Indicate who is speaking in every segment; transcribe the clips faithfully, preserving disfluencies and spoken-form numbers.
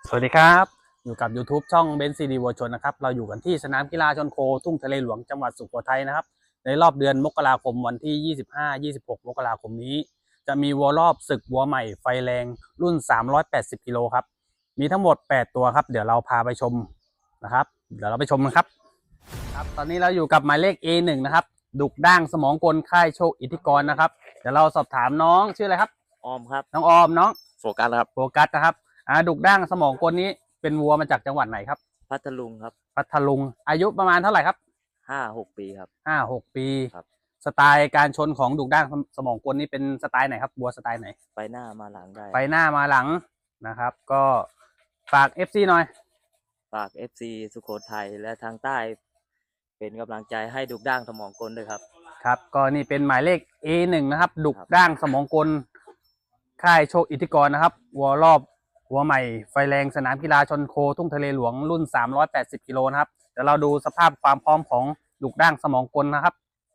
Speaker 1: สวัสดีครับอยู่กับ YouTube ช่องเบนซ์ซีดีวัวชนนะครับเราอยู่กันที่สนามกีฬาชนโคทุ่งทะเลหลวงจังหวัดสุโขทัยนะครับในรอบเดือนมกราคมวันที่ยี่สิบห้า ยี่สิบหกมกราคมนี้จะมีวัวรอบศึกวัวใหม่ไฟแรงรุ่นสามร้อยแปดสิบกิโลครับมีทั้งหมดแปดตัวครับเดี๋ยวเราพาไปชมนะครับเดี๋ยวเราไปชมกันครับครับตอนนี้เราอยู่กับหมายเลข เอ หนึ่ง นะครับดุกด่างสมองกลค่ายโชคอิทธิกรนะครับเดี๋ยวเราสอบถามน้องชื่ออะไรครับ
Speaker 2: ออมครับ
Speaker 1: น้องออมน้อง
Speaker 2: โฟกัสครับ
Speaker 1: โฟกัสนะครับอ่าดุกด่างสมองกลนี้เป็นวัวมาจากจังหวัดไหนครับ
Speaker 2: พัทลุงครับ
Speaker 1: พัทลุงอายุประมาณเท่าไหร่ครับ
Speaker 2: ห้าหกปีครับ
Speaker 1: ห้าหกปี
Speaker 2: ครับ
Speaker 1: สไตล์การชนของดุกด่างสมองกลนี่เป็นสไตล์ไหนครับวัวสไตล์ไหน
Speaker 2: ไปหน้ามาหลังได้
Speaker 1: ไปหน้ามาหลังนะครับก็ฝาก เอฟ ซี หน่อย
Speaker 2: ฝาก เอฟ ซี สุโขทัยและทางใต้เป็นกำลังใจให้ดุกด่างสมองกลด้วยครับ
Speaker 1: ครับก็นี่เป็นหมายเลข เอ หนึ่ง นะครับดุกด่างสมองกลค่ายโชคอิทธิกรนะครับวัวรอบวัวใหม่ไฟแรงสนามกีฬาชนโคทุ่งทะเลหลวงรุ่นสามร้อยแปดสิบกิโลนะครับเดี๋ยวเราดูสภาพความพร้อมของดุกด่างสมองกลนะครับ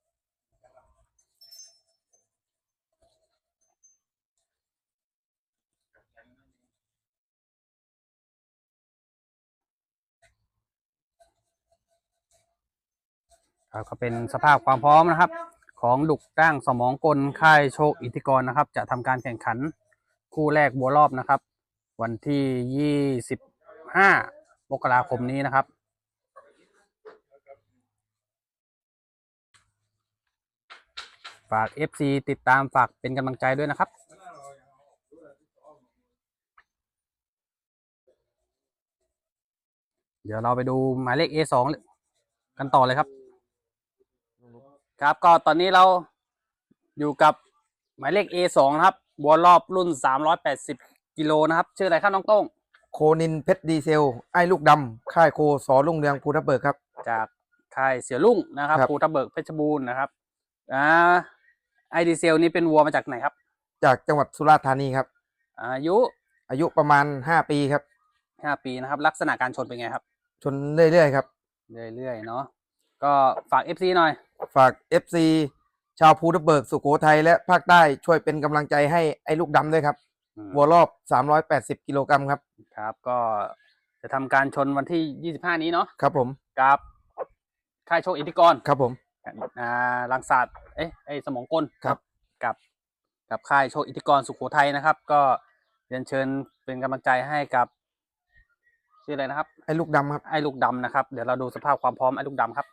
Speaker 1: ก็เป็นสภาพความพร้อมนะครับของดุกด่างสมองกลค่ายโชคอิทธิกรนะครับจะทำการแข่งขันคู่แรกวัวรอบนะครับวันที่ยี่สิบห้ามกราคมนี้นะครับฝาก เอฟ ซี ติดตามฝากเป็นกำลังใจด้วยนะครับเดี๋ยวเราไปดูหมายเลข เอ สอง กันต่อเลยครับครับก็ตอนนี้เราอยู่กับหมายเลข เอ สอง นะครับวัวรอบรุ่นสามร้อยแปดสิบกิโลนะครับชื่ออะไรครับน้องโต้ง
Speaker 3: โคนินเพชรดีเซลไอ้ลูกดำค่ายโคสอรุ่งเรืองภูทับเบิกครับ
Speaker 1: จากค่ายเสี่ยรุ่งนะครับภูทับเบิกเพชรบูรณ์นะครับอ่าไอดีเซลนี้เป็นวัวมาจากไหนครับ
Speaker 3: จากจังหวัดสุราษฎร์ธานีครับ
Speaker 1: อายุ
Speaker 3: อายุประมาณห้าปีครับ
Speaker 1: ห้าปีนะครับลักษณะการชนเป็นไงครับ
Speaker 3: ชนเรื่อยๆครับ
Speaker 1: เรื่อยๆเนาะก็ฝาก เอฟ ซี หน่อย
Speaker 3: ฝาก เอฟ ซี ชาวภูทับเบิกสุโขทัยและภาคใต้ช่วยเป็นกำลังใจให้ไอ้ลูกดำด้วยครับวัวรอบสามร้อยแปดสิบกิโลกรัมครับ
Speaker 1: ครับก็จะทำการชนวันที่ยี่สิบห้านี้เนาะ
Speaker 3: ครับผม
Speaker 1: กับค่ายโชคอิทธิกร
Speaker 3: ครับผม
Speaker 1: อ่าลังศาสตร์เอ๊ะไอ้สมองกล
Speaker 3: ครับ
Speaker 1: กับกับค่ายโชคอิทธิกรสุโขทัยนะครับก็เรียนเชิญเป็นกำลังใจให้กับชื่ออะไรนะครับ
Speaker 3: ไอ้ลูกดำครับ
Speaker 1: ไอ้ลูกดำนะครับเดี๋ยวเราดูสภาพความพร้อมไอ้ลูกดำครับ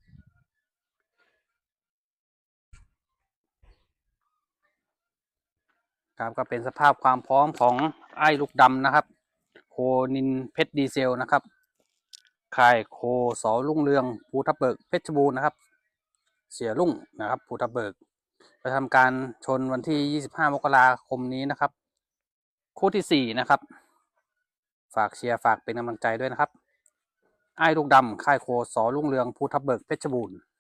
Speaker 1: ครับก็เป็นสภาพความพร้อมของไอ้ลูกดำนะครับโคนินเพชรดีเซลนะครับค่ายโคสอรุ่งเรืองภูทับเบิกเพชรบูรณ์นะครับเสียรุ่งนะครับภูทับเบิกจะทำการชนวันที่ยี่สิบห้ามกราคมนี้นะครับคู่ที่สี่นะครับฝากเชียร์ฝากเป็นกำลังใจด้วยนะครับไอ้ลูกดำค่ายโคสอรุ่งเรืองภูทับเบิกเพชรบูรณ์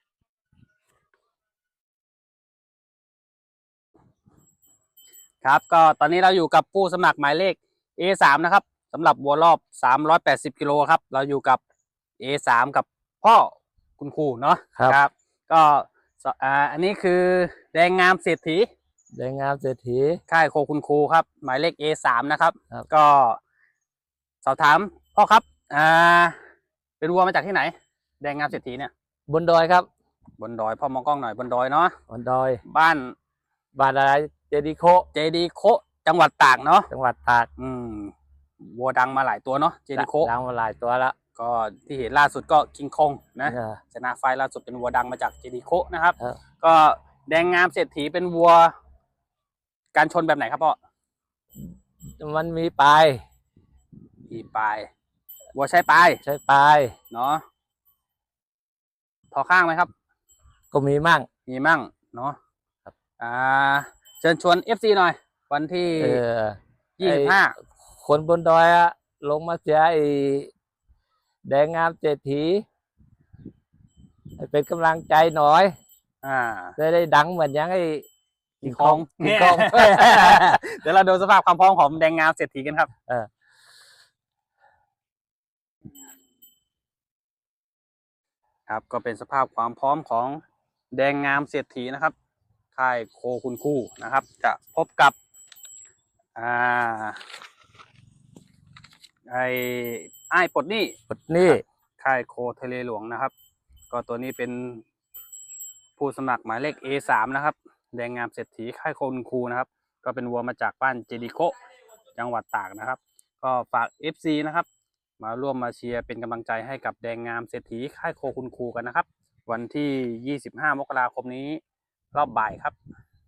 Speaker 1: ครับก็ตอนนี้เราอยู่กับผู้สมัครหมายเลข เอ สาม นะครับสำหรับวัวรอบสามร้อยแปดสิบกิโลครับเราอยู่กับ เอ สาม กับพ่อคุณครูเนาะ
Speaker 3: ครับ
Speaker 1: ก็อ่าอันนี้คือแดงงามเศรษฐี
Speaker 3: แดงงามเศรษฐี
Speaker 1: ค่ายโคคุณครูครับหมายเลข เอ สาม นะครับก็สอบถามพ่อครับอ่าเป็นวัวมาจากที่ไหนแดงงามเศรษฐีเนี่ย
Speaker 3: บนดอยครับ
Speaker 1: บนดอยพ่อมองกล้องหน่อยบนดอยเนาะ
Speaker 3: บนดอย
Speaker 1: บ้าน
Speaker 3: บ้านอะไรเจดีโค
Speaker 1: เจดีโคจังหวัดตากเนาะ
Speaker 3: จังหวัดตาก
Speaker 1: อืมวัวดังมาหลายตัวเนาะเจดีโค
Speaker 3: ดังมาหลายตัวแล้ว
Speaker 1: ก็ที่เห็นล่าสุดก็คิงคองนะชนะไฟล่าสุดเป็นวัวดังมาจากเจดีโคนะครับก็แดงงามเศรษฐีเป็นวัวการชนแบบไหนครับพ่อ
Speaker 3: มันมีปลาย
Speaker 1: มีปลายวัวใช้ปลาย
Speaker 3: ใช้ปลาย
Speaker 1: เนาะพอข้างไหมครับ
Speaker 3: ก็มีมั่ง
Speaker 1: มีมั่งเนาะอ่าเชิญชวน เอฟ ซี หน่อยวันที่ยี่สิบห้า
Speaker 3: คนบนดอยอะลงมาเสียไอ้แดงงามเศรษฐีเป็นกำลังใจหน่อย
Speaker 1: อ่า
Speaker 3: ได้ได้ดังเหมือนยังไอ้
Speaker 1: กิงคองกิงคองเดี๋ยวเราดูสภาพความพร้อมของแดงงามเศรษฐีกันครับเออครับก็เป็นสภาพความพร้อมของแดงงามเศรษฐีนะครับค่ายโคคุณคู่นะครับจะพบกับอ่าไอ้ไอ้ายปลดหนี้
Speaker 3: ปลดหนี้
Speaker 1: ค่ายโคทะเลหลวงนะครับ ก็ตัวนี้เป็นผู้สมัครหมายเลข เอ สาม นะครับ แดงงามเศรษฐีค่ายโคคุณครูนะครับ ก็เป็นวัวมาจากบ้านเจดีโคจังหวัดตากนะครับ ก็ฝาก เอฟ ซี นะครับ มาร่วมมาเชียร์เป็นกำลังใจให้กับแดงงามเศรษฐีค่ายโคคุณครูกันนะครับ วันที่ ยี่สิบห้า มกราคมนี้รอบบ่ายครับ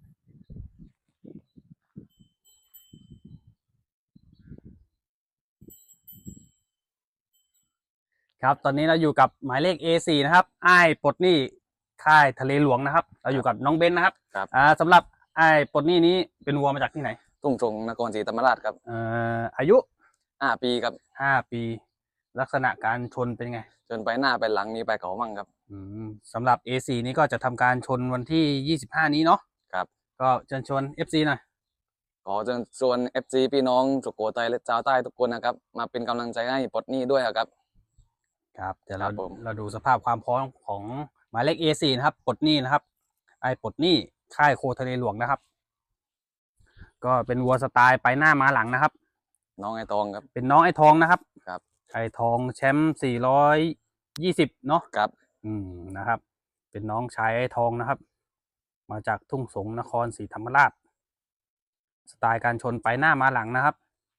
Speaker 1: ครับตอนนี้เราอยู่กับหมายเลข เอ สี่ นะครับอ้ายปลดหนี้ค่ายทะเลหลวงนะครับ เราอยู่กับน้องเบนนะครับ
Speaker 4: ครับ
Speaker 1: อ่าสำหรับอ้ายปลดหนี้นี้เป็นวัวมาจากที่ไหน
Speaker 4: ทุ่งสงนครศรีธรรมราชครับ
Speaker 1: เอ่ออายุ
Speaker 4: ห้าปีครับ
Speaker 1: ห้าปี ลักษณะการชนเป็นไง
Speaker 4: จนไปหน้าไปหลังมีไปเขามั่งครับ
Speaker 1: อืมสำหรับ เอ สี่ นี้ก็จะทำการชนวันที่ ยี่สิบห้า นี้เนาะ
Speaker 4: ครับ
Speaker 1: ก็เชิญชวน เอฟ ซี หน่อย
Speaker 4: ขอเชิญชวน เอฟ ซี พี่น้องสุโขทัยและชาวใต้ทุกคนนะครับ มาเป็นกำลังใจให้ปลดหนี้ด้วยครับ
Speaker 1: ครับเดี๋ยวเรา
Speaker 4: ครับผม
Speaker 1: เราดูสภาพความพร้อมของหมายเลข เอ สี่ นะครับปลดหนี้นะครับ ไอ้ปลดหนี้ค่ายโคทะเลหลวงนะครับ ก็เป็นวัวสไตล์ไปหน้ามาหลังนะครับ
Speaker 4: น้องไอทองครับ
Speaker 1: เป็นน้องไอ้ทองนะครับ
Speaker 4: ครับ
Speaker 1: ไอ้ทองแชมป์สี่ร้อยยี่สิบเนาะ
Speaker 4: ครับ
Speaker 1: อืมนะครับ เป็นน้องชายไอ้ทองนะครับ มาจากทุ่งสงนครศรีธรรมราช สไตล์การชนไปหน้ามาหลังนะครับ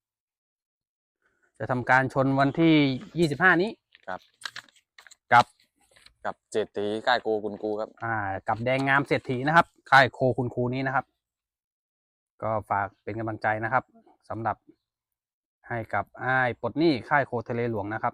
Speaker 1: จะทำการชนวันที่ยี่สิบห้านี้
Speaker 4: ครับ
Speaker 1: กับ
Speaker 4: กับเจตตีค่ายโกคุณครูครับ
Speaker 1: อ่ากับแดงงามเศรษฐีนะครับค่ายโคคุณครูนี้นะครับ ก็ฝากเป็นกำลังใจนะครับสำหรับให้กับอ้ายปลดหนี้ค่ายโคทะเลหลวงนะครับ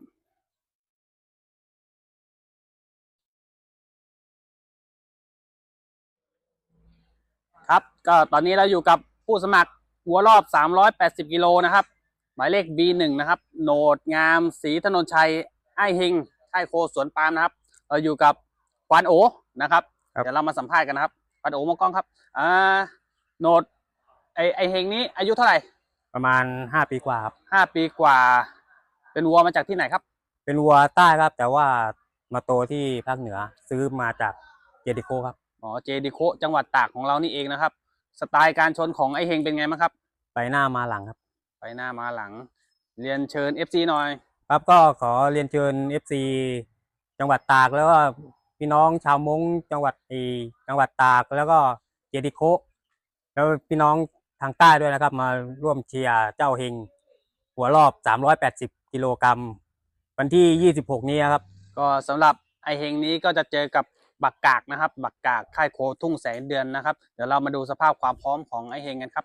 Speaker 1: ครับก็ตอนนี้เราอยู่กับผู้สมัครหัวรอบสามร้อยแปดสิบกิโลนะครับหมายเลข บี หนึ่ง นะครับโหนดงามศรีถนนชัยไอ้เฮงค่ายโคสวนปาล์มนะครับเราอยู่กับควานโอนะครับ
Speaker 3: ครับ
Speaker 1: เดี๋ยวเรามาสัมภาษณ์กันนะครับควานโอมองกล้องครับอ่าโหนดไอไอเฮงนี้อายุเท่าไหร่
Speaker 5: ประมาณห้าปีกว่าครับ
Speaker 1: ห้าปีกว่า เป็นวัวมาจากที่ไหนครับ
Speaker 5: เป็นวัวใต้ครับ แต่ว่ามาโตที่ภาคเหนือซื้อมาจากเจดิโคครับ
Speaker 1: อ๋อเจดีโคจังหวัดตากของเรานี่เองนะครับ สไตล์การชนของไอเฮงเป็นไงบ้างครับ
Speaker 5: ไปหน้ามาหลังครับ
Speaker 1: ไปหน้ามาหลัง เรียนเชิญ เอฟ ซี หน่อย
Speaker 5: ครับก็ขอเรียนเชิญ เอฟ ซี จังหวัดตากแล้วก็พี่น้องชาวมงจังหวัดอีจังหวัดตากแล้วก็เจดิโคแล้วพี่น้องทางใต้ด้วยนะครับ มาร่วมเชียร์เจ้าเฮงหัวรอบสามร้อยแปดสิบกิโลกรัมวันที่ยี่สิบหกนี้ครับ
Speaker 1: ก็สำหรับไอเฮงนี้ก็จะเจอกับบักกากนะครับ บักกากค่ายโคทุ่งแสงเดือนนะครับ เดี๋ยวเรามาดูสภาพความพร้อมของไอเฮงกันครับ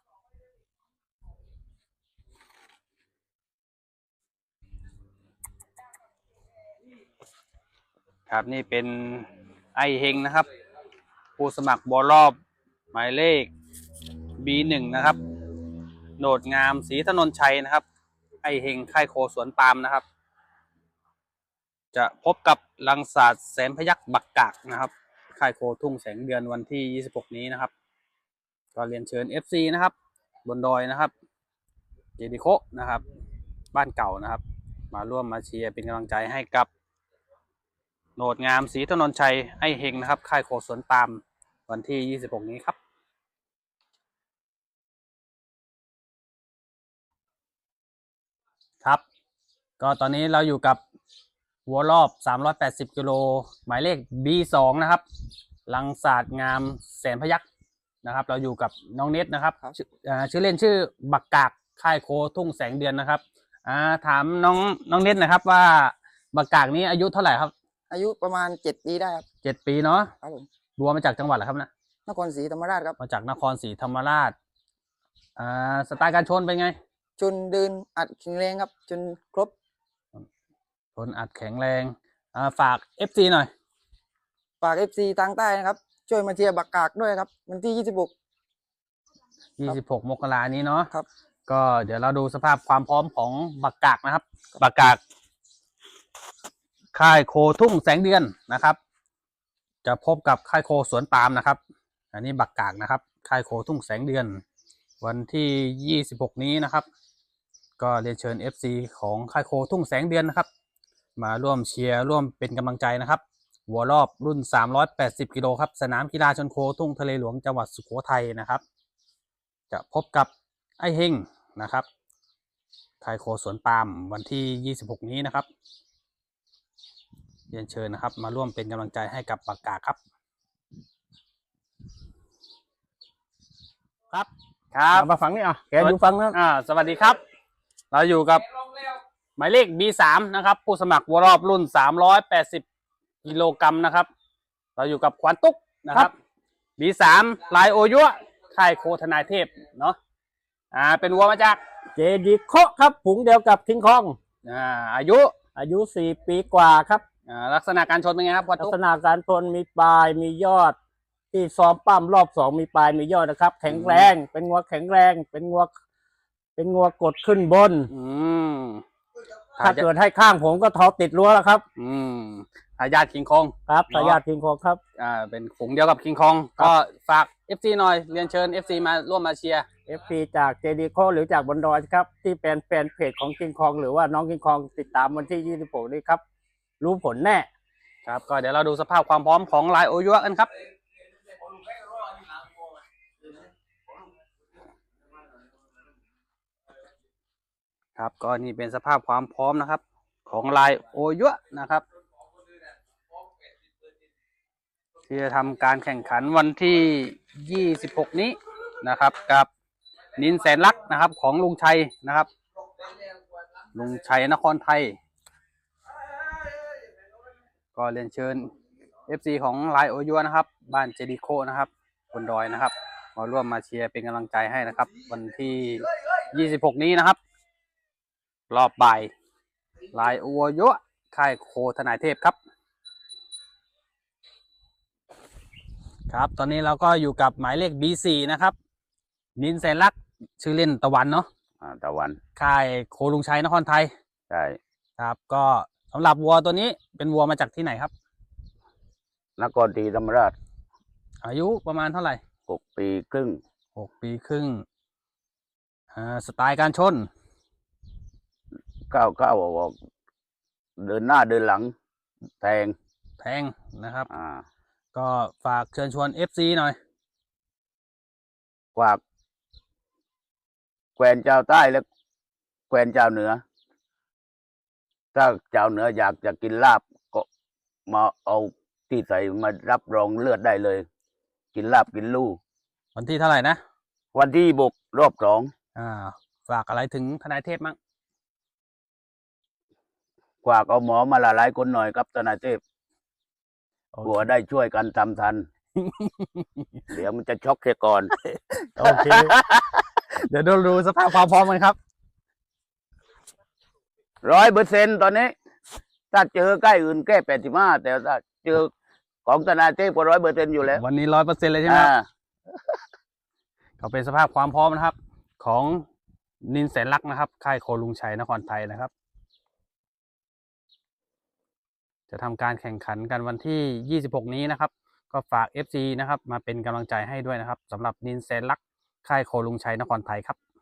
Speaker 1: ครับนี่เป็นไอเฮงนะครับ ผู้สมัครบอลรอบหมายเลข บี หนึ่ง นะครับโหนดงามศรีถนนชัยนะครับ ไอเฮงค่ายโคสวนปาล์มนะครับ จะพบกับลังศาสตร์แสนพยัคฆ์บักกากนะครับค่ายโคทุ่งแสงเดือนวันที่ยี่สิบหกนี้นะครับ ก็เรียนเชิญ เอฟ ซี นะครับ บนดอยนะครับเจดีโคนะครับ บ้านเก่านะครับ มาร่วมมาเชียร์เป็นกำลังใจให้กับโหนดงามศรีถนนชัยไอเฮงนะครับค่ายโคสวนปาล์มวันที่ยี่สิบหกนี้ครับ ครับ ก็ตอนนี้เราอยู่กับวัวรอบสามร้อยแปดสิบกิโลหมายเลข บี สอง นะครับลังศาสตร์งามแสนพยัคฆ์นะครับ เราอยู่กับน้องเน็ตนะครับชื่ออ่าชื่อเล่นชื่อบักกากค่ายโคทุ่งแสงเดือนนะครับอ่าถามน้องน้องเน็ตนะครับว่าบักกากนี้อายุเท่าไหร่ครับ
Speaker 6: อายุประมาณเจ็ดปีได้ครับ
Speaker 1: เจ็ดปีเนาะ
Speaker 6: ครับผม
Speaker 1: วัวมาจากจังหวัดอะไรครับนะ
Speaker 6: นครศรีธรรมราชครับ
Speaker 1: มาจากนครศรีธรรมราชอ่าสไตล์การชนเป็นไง
Speaker 6: จนเดินอัดแข็งแรงครับ จนครบ
Speaker 1: ชนอัดแข็งแรงอ่าฝาก เอฟ ซี หน่อย
Speaker 6: ฝากเอฟซีทางใต้นะครับ ช่วยมาเชียร์บักกากด้วยครับ วันที่ยี่สิบหก
Speaker 1: ยี่สิบหก มกรานี้เนาะ
Speaker 6: ครับ
Speaker 1: ก็เดี๋ยวเราดูสภาพความพร้อมของบักกากนะครับ บักกากค่ายโคทุ่งแสงเดือนนะครับ จะพบกับค่ายโคสวนปาล์มนะครับ อันนี้บักกากนะครับ ค่ายโคทุ่งแสงเดือน วันที่ยี่สิบหกนี้นะครับ ก็เรียนเชิญ เอฟ ซี ของค่ายโคทุ่งแสงเดือนนะครับ มาร่วมเชียร์ร่วมเป็นกำลังใจนะครับหัวรอบรุ่นสามร้อยแปดสิบกิโลครับสนามกีฬาชนโคทุ่งทะเลหลวงจังหวัดสุโขทัยนะครับ จะพบกับไอเฮงนะครับค่ายโคสวนปาล์มวันที่ยี่สิบหกนี้นะครับเรียนเชิญนะครับ มาร่วมเป็นกำลังใจให้กับปากกาครับครับครับ
Speaker 5: มาฟังนี่อ่ะแกอยู่ฟังนะ
Speaker 1: อ่าสวัสดีครับ เราอยู่กับหมายเลข บี สาม นะครับ ผู้สมัครวัวรอบรุ่นสามร้อยแปดสิบกิโลกรัมนะครับ เราอยู่กับขวัญตุ๊กนะครับ บี สาม ลายโอยัวค่ายโคทนายเทพเนาะอ่าเป็นวัวมาจาก
Speaker 5: เจดีโคครับผุงเดียวกับคิงคอง
Speaker 1: อ่าอายุ
Speaker 5: อายุสี่ปีกว่าครับ
Speaker 1: อ่าลักษณะการชนเป็นไงครับขวัญ
Speaker 5: ลัก
Speaker 1: ตุ๊ก
Speaker 5: ษณะการทนมีปลายมียอด ที่ซ้อมปั้มรอบสองมีปลายมียอดนะครับ แข็งแรง เป็นงัวแข็งแรง เป็นงัวเป็นงัวกดขึ้นบน
Speaker 1: อืม
Speaker 5: ถ้าเกิดให้ข้างผมก็เท้าติดรั้วแล้วครับ
Speaker 1: อืมทายาทคิงคอง
Speaker 5: ครับทายาทคิงคองครับ
Speaker 1: อ่าเป็นฝูงเดียวกับคิงคองก็ฝาก เอฟ ซี หน่อยเรียนเชิญ เอฟ ซี มาร่วมมาเชียร์
Speaker 5: เอฟซีจากเจดีโคหรือจากบนดอยครับ ที่เป็นแฟนเพจของคิงคองหรือว่าน้องคิงคองติดตามวันที่ยี่สิบหกนี้ครับ รู้ผลแน่
Speaker 1: ครับก็เดี๋ยวเราดูสภาพความพร้อมของลายโอยัวกันครับครับก็นี่เป็นสภาพความพร้อมนะครับ ของลายโอยัวนะครับ ที่จะทำการแข่งขันวันที่ยี่สิบหกนี้นะครับ กับนินแสนลักษณ์นะครับของลุงชัยนะครับ ลุงชัยนครไทย ก็เรียนเชิญ เอฟ ซี ของลายโอยัวนะครับ บ้านเจดีโคนะครับบนดอยนะครับ มาร่วมมาเชียร์เป็นกำลังใจให้นะครับ วันที่ยี่สิบหกนี้นะครับ รอบบ่ายลายโอยัวค่ายโคทนายเทพครับ ครับ ตอนนี้เราก็อยู่กับหมายเลข บี สี่ นะครับ นินแสนลักษณ์ชื่อเล่นตะวันเนาะ
Speaker 7: อ่าตะวัน
Speaker 1: ค่ายโคลุงชัยนครไทย
Speaker 7: ใช่
Speaker 1: ครับ ก็สำหรับวัวตัวนี้เป็นวัวมาจากที่ไหนครับ
Speaker 7: นครศรีธรรมราช
Speaker 1: อายุประมาณเท่าไหร่
Speaker 7: หกปีครึ่ง
Speaker 1: หกปีครึ่งอ่าสไตล์การชน
Speaker 7: ก้าวก้าวออกเดินหน้าเดินหลัง แทง
Speaker 1: แพงนะครับ
Speaker 7: อ่า
Speaker 1: ก็ฝากเชิญชวน เอฟ ซี หน่อย
Speaker 7: กวากแควนเจ้าใต้และแควนเจ้าเหนือ ถ้าเจ้าเหนืออยากจะกินลาบก็มาเอาที่ใส่มารับรองเลือดได้เลย กินลาบกินลู่
Speaker 1: วันที่เท่าไหร่นะ
Speaker 7: วันที่บกรอบสอง
Speaker 1: อ่า ฝากอะไรถึงทนายเทพมั้ง
Speaker 7: กวากเอาหมอมาละลายคนหน่อยครับทนายเทพ
Speaker 1: โอเค
Speaker 7: กลัวได้ช่วยกันทำทัน เดี๋ยวมันจะช็อกเสียก่อน
Speaker 1: โอเค เดี๋ยวดูดูสภาพความพร้อมกันครับ
Speaker 7: ร้อยเปอร์เซ็นตอนนี้ ถ้าเจอใกล้อื่นแก้แปดสิบห้าแต่ถ้าเจอของธนาเทพก็ร้อยเปอร์เซ็นอยู่แล้ว
Speaker 1: วันนี้ร้อยเปอร์เซ็นต์เลยใช่ไหมครับ
Speaker 7: อ่า
Speaker 1: ก็เป็นสภาพความพร้อมนะครับ ของนินแสนลักษณ์นะครับ ค่ายโคลุงชัยนครไทยนะครับ จะทำการแข่งขันกันวันที่ยี่สิบหกนี้นะครับ ก็ฝาก เอฟ ซี นะครับ มาเป็นกำลังใจให้ด้วยนะครับสำหรับนินแสนลักษณ์ค่ายโคลุงชัยนครไทยครับ